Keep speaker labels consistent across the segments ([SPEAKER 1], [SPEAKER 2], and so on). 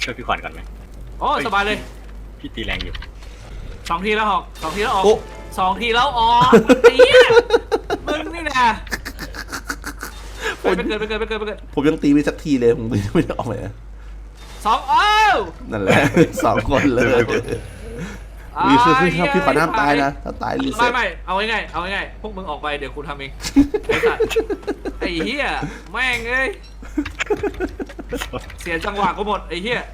[SPEAKER 1] ช่วยพี่ขวัญก่อนไหม
[SPEAKER 2] โอ้สบายเลย
[SPEAKER 1] พี่ตีแรงอยู่
[SPEAKER 2] 2 ทีแล้วออก2 ทีแล้วออก
[SPEAKER 3] โอ้
[SPEAKER 2] 2 ทีแล้วออกเนี่ยมึงนี่นะไปเกิด
[SPEAKER 3] ผมยังตีไม่สักทีเลยผมตีไม่ได้ออกเลยนะ
[SPEAKER 2] 2 อ้าว
[SPEAKER 3] นั่นแหละ 2 คนเลยวิคือพี่ขอน้ำตายนะถ้าตายรีเซ็ต
[SPEAKER 2] ไม่เอาง่ายพวกมึงออกไปเดี๋ยวกูทำเองไอ้สัตว์ไอ้เหี้ยแม่งเอ้ยเสียจังหวะกูหมดไอ้เหี้ย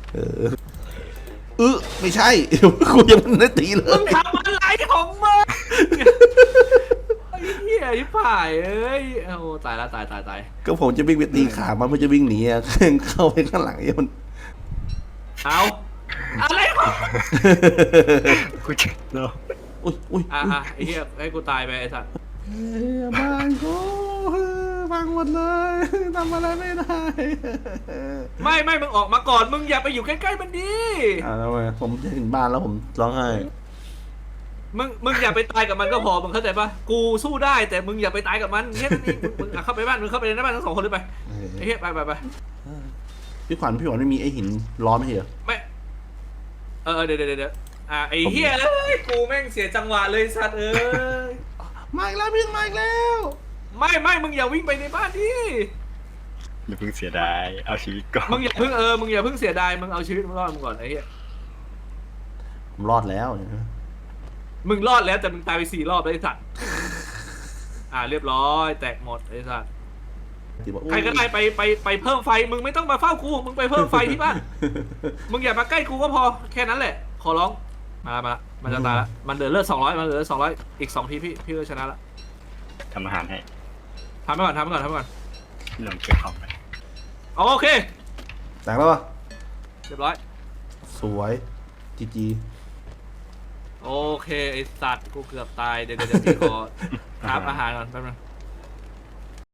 [SPEAKER 3] ไม่ใช่กูยังไม่ได้ตีเล
[SPEAKER 2] มึ
[SPEAKER 3] ย
[SPEAKER 2] งทำอะไรของมึงไอ้เหี้ยยิ่ผ่ายเอ้ยโอ้ตายละตาย
[SPEAKER 3] ก็ผมจะวิ่งไปตีขามันไม่จะวิ่งหนีอะเข้าไปข้างหลังไอ้มัน
[SPEAKER 2] เอาอะไรของ
[SPEAKER 1] กูเจ็บเนาะ
[SPEAKER 3] อุ้ย
[SPEAKER 2] ไอ้เหี้ยให้กูตายไปไอ้สัตว์
[SPEAKER 3] บางกูบางหมดเลยทำอะไรไม่ได้
[SPEAKER 2] ไม่มึงออกมาก่อนมึงอย่าไปอยู่ใกล้ๆมันดิ
[SPEAKER 3] ทำไมผมจะถึงบ้านแล้วผมร้องไห้
[SPEAKER 2] มึงอย่าไปตายกับมันก็พอมึงเข้าใจปะกูสู้ได้แต่มึงอย่าไปตายกับมันแค่นั้นเองมึงเข้าไปบ้านมึงเข้าไปในบ้านทั้ง2 คนเลยไปไอ้เหี้ยไป
[SPEAKER 3] พี่ขวัญไม่มีไอ้หินร้อนไม่เหรอ
[SPEAKER 2] ไม่เดี๋ยวไอ้เหี้ยเอ้ยกูแม่งเสียจังหวะเลยสัตว์เอ้ย
[SPEAKER 3] มาอีกแล้วพี่มาอีกแล้ว
[SPEAKER 2] ไม่มึงอย่าวิ่งไปในบ้านดิ
[SPEAKER 1] อย่าเพิ่งเสียดายเอาชีวิตก่อน
[SPEAKER 2] มึงอย่าเพิ่งเสียดายมึงเอาชีวิตมึงรอดมึงก่อนไอ้เหี้ย
[SPEAKER 3] ผมรอดแล้ว
[SPEAKER 2] มึงรอดแล้วแต่มึงตายไป4 รอบแล้วไอ้สัตว์เรียบร้อยแตกหมดไอ้สัตว์ใครก็ได้ไปเพิ่มไฟมึงไม่ต้องมาเฝ้ากูมึงไปเพิ่มไฟที่บ้านมึงอย่ามาใกล้กูก็พอแค่นั้นแหละขอร้องมามันจะตายละมันเหลือเลือด200มันเหลือ200อีก2 ทีพี่ก็ชนะละ
[SPEAKER 1] ทำอาหารให้
[SPEAKER 2] ทำไปก่อน
[SPEAKER 1] พี่ลองเก็บของไป
[SPEAKER 2] โอเค
[SPEAKER 3] แต่งแล้วป่ะ
[SPEAKER 2] เรียบร้อย
[SPEAKER 3] สวยจี
[SPEAKER 2] โอเคไอสัตว์กูเกือบตายเดี๋ยวพี่ขอทำอาหารก่อนแป๊บนึง